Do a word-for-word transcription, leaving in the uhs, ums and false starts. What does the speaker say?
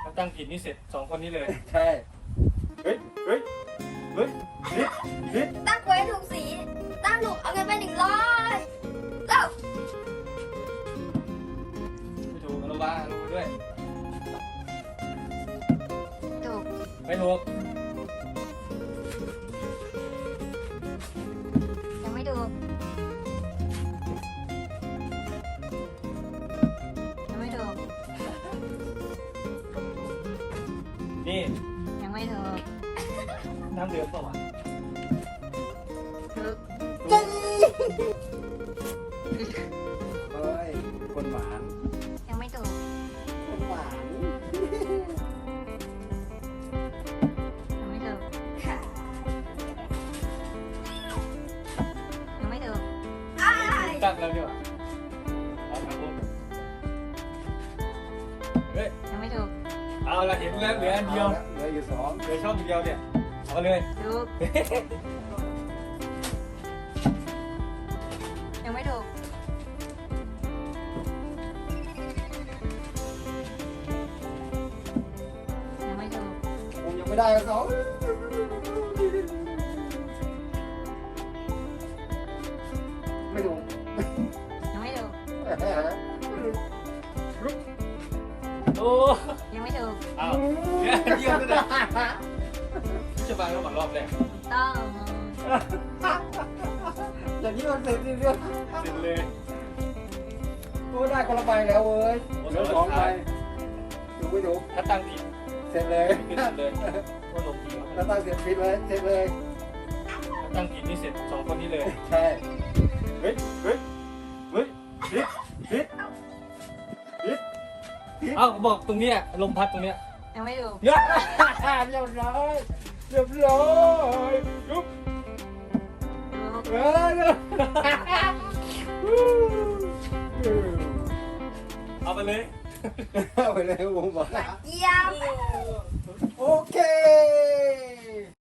าตั้งผิดนี่เสร็จสองคนนี้เลยใช่เฮ้ยเฮ้ยเฮ้ยนิดนิดตั้งไว้ถูกสีตั้งถูกเอาเงินไปหนึ่งร้อยเอ้าไม่ถูกอนุบาลอนุบาลด้วยถูกไม่ถูกยังไม่ถูกยังไม่ถูกนี่ยังไม่ถูกน้ำเดือดเปล่าวะถูกเฮ้ยคนหวานยังไม่ถูกคนหวานยังไม่ถูกยังไม่ถูกตั้งแล้วดีกว่าเอาครับผมเฮ้ยยังไม่ถูกเอาละเห็นแล้วเหลืออันเดียวเหลืออยู่สองเหลือช่องเดียวเนี่ยเอาเลยถูกยังไม่ถูกยังไม่ถูกผมยังไม่ได้กับเขาไม่ถูกยังไม่ถูกโอ้ยังไม่ถูกเอาเหลืออันเดียวด้วยนะจะมาแล้วก่อนรอบแรกต้องอย่างนี้มันเสร็จเรื่องเสร็จเลยโอ้ได้คนละใบแล้วเว้ยเหลือสองใบถูกไม่ถูกถ้าตั้งผิดเสร็จเลยผิดเสร็จเลยว่าลงทีมถ้าตั้งเสร็จผิดเลยเสร็จเลยถ้าตั้งผิดนี่เสร็จสองคนนี้เลยใช่เฮ้ยเฮ้ยเฮ้ยผิดผิดผิดเอ้าบอกตรงเนี้ยลมพัดตรงเนี้ยยังไม่ถูกเยอะเรียบร้อยเรียบร้อยยุบถูกเออเอาไปเลยเอาไปเลยผมบอกเยี่ยมโอเค